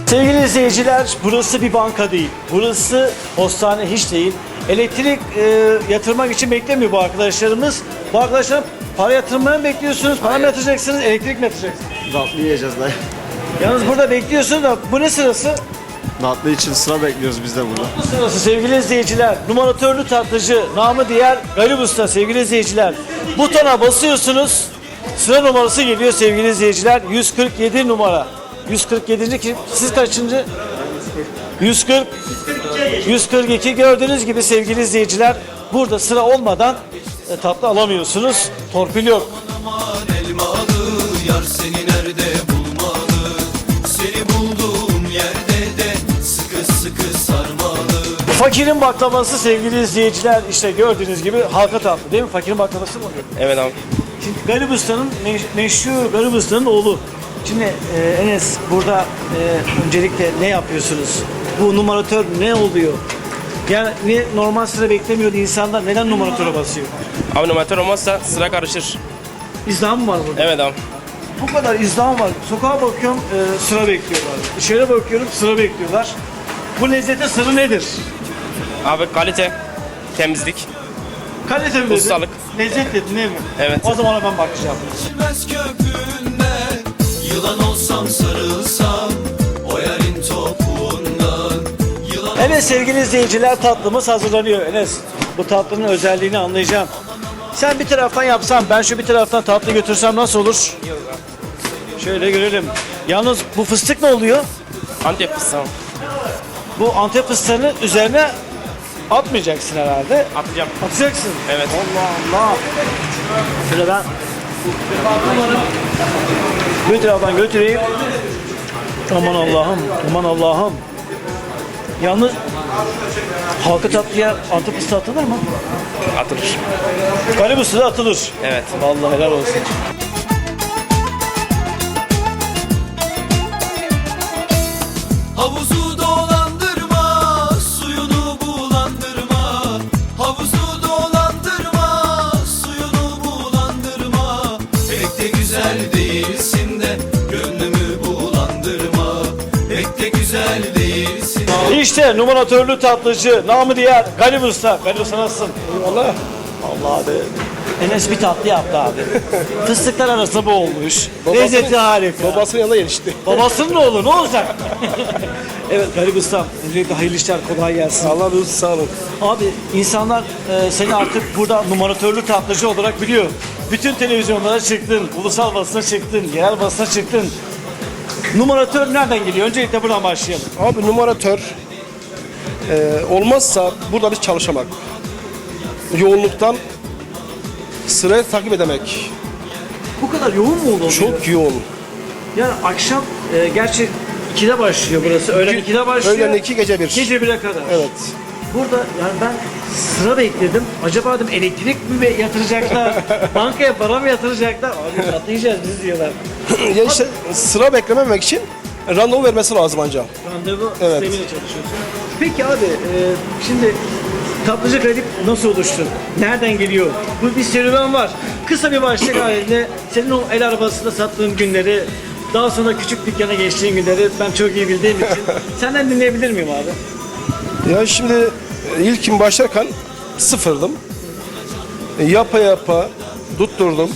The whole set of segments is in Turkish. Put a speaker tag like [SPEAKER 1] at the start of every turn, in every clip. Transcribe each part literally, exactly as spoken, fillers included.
[SPEAKER 1] Sevgili izleyiciler, burası bir banka değil. Burası postane hiç değil. Elektrik e, yatırmak için beklemiyor bu arkadaşlarımız. Bu arkadaşlar para yatırmaya mı bekliyorsunuz? Para mı yatıracaksınız? Elektrik mi yatıracaksınız?
[SPEAKER 2] Tatlı yiyeceğiz dayı.
[SPEAKER 1] Yalnız burada bekliyorsunuz da bu ne sırası?
[SPEAKER 2] Tatlı için sıra bekliyoruz biz de burada.
[SPEAKER 1] Bu sırası sevgili izleyiciler. Numaratörlü tatlıcı, namı diğer Galip Usta sevgili izleyiciler. Butona basıyorsunuz. Sıra numarası geliyor sevgili izleyiciler. yüz kırk yedi numara. yüz kırk yedinci kim? Siz kaçıncı? yüz kırk. yüz kırk iki gördüğünüz gibi sevgili izleyiciler. Burada sıra olmadan e, tatlı alamıyorsunuz. Torpil yok.
[SPEAKER 3] Yar seni nerede bulmalı? Seni bulduğum yerde de sıkı sıkı sarmalı.
[SPEAKER 1] Fakirin baklavası sevgili izleyiciler. İşte gördüğünüz gibi halka tatlı değil mi? Fakirin baklavası mı oluyor?
[SPEAKER 4] Evet abi.
[SPEAKER 1] Şimdi Galip Usta'nın meş- meşhur Galip Usta'nın oğlu. Şimdi e, Enes burada e, öncelikle ne yapıyorsunuz? Bu numaratör ne oluyor? Yani niye normal sıra beklemiyordu insanlar? Neden numaratöre basıyor?
[SPEAKER 4] Abi numaratör olmazsa sıra karışır.
[SPEAKER 1] İzdiham mı var burada?
[SPEAKER 4] Evet abi.
[SPEAKER 1] Bu kadar izdiham var. Sokağa bakıyorum e, sıra bekliyorlar. Dışarı bakıyorum sıra bekliyorlar. Bu lezzetin sırrı nedir?
[SPEAKER 4] Abi kalite, temizlik.
[SPEAKER 1] Kalite mi dedin?
[SPEAKER 4] Ustalık.
[SPEAKER 1] Lezzet dedin değil mi?
[SPEAKER 4] Evet.
[SPEAKER 1] O zaman ben bakacağım.
[SPEAKER 3] Bilmez köpüğünden yılan olsam sarılsam o yarın topuğundan yılan.
[SPEAKER 1] Evet sevgili izleyiciler tatlımız hazırlanıyor. Enes bu tatlının özelliğini anlayacağım. Sen bir taraftan yapsan ben şu bir taraftan tatlı götürsem nasıl olur? Şöyle görelim. Yalnız bu fıstık ne oluyor?
[SPEAKER 4] Antep fıstığı.
[SPEAKER 1] Bu Antep fıstığını üzerine atmayacaksın herhalde.
[SPEAKER 4] Atacağım.
[SPEAKER 1] Atacaksın.
[SPEAKER 4] Evet.
[SPEAKER 1] Allah Allah. Şöyle ben bir taraftan götüreyim. Aman Allah'ım, aman Allah'ım. Yalnız halka tatlıya Antep fıstığı atılır mı?
[SPEAKER 4] Atılır.
[SPEAKER 1] Galip Usta'da atılır.
[SPEAKER 4] Evet.
[SPEAKER 1] Vallahi helal olsun.
[SPEAKER 3] Havuzu dolandırma, suyunu bulandırma. Havuzu dolandırma, suyunu bulandırma. Pek de güzel değilsin de gönlümü bulandırma. Pek de güzel değilsin.
[SPEAKER 1] İşte numaratörlü tatlıcı, namı diğer Galip Usta. Galip Usta nasılsın? Eyvallah. Allah abi. Enes bir tatlı yaptı abi. Fıstıklar arasında bu olmuş. Lezzeti harika.
[SPEAKER 2] Babasının yanında yetişti.
[SPEAKER 1] Babasının oğlu ne olacak? Evet Galip Usta. Öncelikle hayırlı işler, kolay gelsin.
[SPEAKER 2] Allah razı olsun, sağ olun.
[SPEAKER 1] Abi insanlar e, seni artık burada numaratörlü tatlıcı olarak biliyor. Bütün televizyonlara çıktın, ulusal basına çıktın, yerel basına çıktın. Numaratör nereden geliyor? Öncelikle buradan başlayalım.
[SPEAKER 5] Abi numaratör e, olmazsa burada biz çalışamak. Yoğunluktan sırayı takip edemek.
[SPEAKER 1] Bu kadar yoğun mu oldu?
[SPEAKER 5] Çok yoğun.
[SPEAKER 1] Yani akşam e, gerçi ikide başlıyor burası. Öğlen ikide başlıyor.
[SPEAKER 5] Öğlen iki, gece bir.
[SPEAKER 1] Gece bire kadar.
[SPEAKER 5] Evet.
[SPEAKER 1] Burada yani ben sıra bekledim. Acaba dedim elektrik mi yatıracaklar? Bankaya para mı yatıracaklar? Abi atlayacağız biz diyorlar.
[SPEAKER 5] Ya işte sıra beklememek için randevu vermesi lazım ancak.
[SPEAKER 1] Randevu
[SPEAKER 5] Evet.
[SPEAKER 1] sistemiyle çalışıyorsun. Peki abi e, şimdi tatlıcı Galip nasıl oluştu? Nereden geliyor? Bu bir serüven var. Kısa bir başlık halinde senin o el arabasında sattığın günleri, daha sonra küçük dükkana geçtiğin günleri ben çok iyi bildiğim için senden dinleyebilir miyim abi?
[SPEAKER 5] Ya şimdi ilkin başlarken sıfırdım. E, Yapa yapa tutturdum.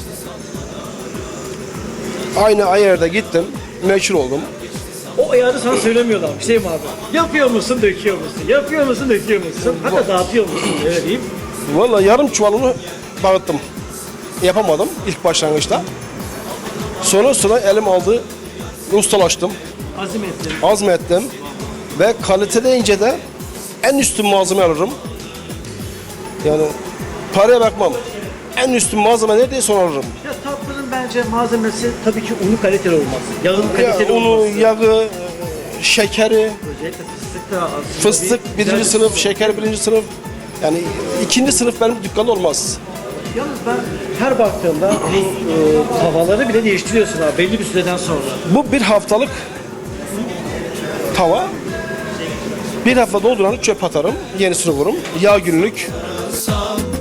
[SPEAKER 5] Aynı ayarda gittim. Meşhur oldum.
[SPEAKER 1] O ayarı sana söylemiyorlar. Şey mi abi? Yapıyor musun, döküyor musun? Yapıyor musun, döküyor musun? Hatta dağıtıyor musun? Öyle diyeyim.
[SPEAKER 5] Vallahi yarım çuvalını dağıttım. Yapamadım ilk başlangıçta. Sonra sıra elim aldı. Ustalaştım.
[SPEAKER 1] Azim ettim.
[SPEAKER 5] Azmettim. Ve kalite deyince de en üstün malzeme alırım. Yani paraya bakmam. En üstün malzeme neredeyse onu alırım.
[SPEAKER 1] Ya tatlının bence malzemesi tabii ki unu kaliteli olmaz. Yağın
[SPEAKER 5] Ya,
[SPEAKER 1] kaliteli
[SPEAKER 5] unu,
[SPEAKER 1] olmaz.
[SPEAKER 5] yağı, şekeri,
[SPEAKER 1] Özellikle fıstık da aslında
[SPEAKER 5] fıstık
[SPEAKER 1] bir-
[SPEAKER 5] birinci
[SPEAKER 1] güzel-
[SPEAKER 5] sınıf, şeker birinci sınıf. Yani ikinci sınıf benim dükkanda olmaz.
[SPEAKER 1] Yalnız ben her baktığımda bu e, tavaları bile değiştiriyorsun abi belli bir süreden sonra.
[SPEAKER 5] Bu bir haftalık tava. Bir hafta dolduranı çöp atarım. Yenisini vururum. Yağ günlük.
[SPEAKER 3] Sağ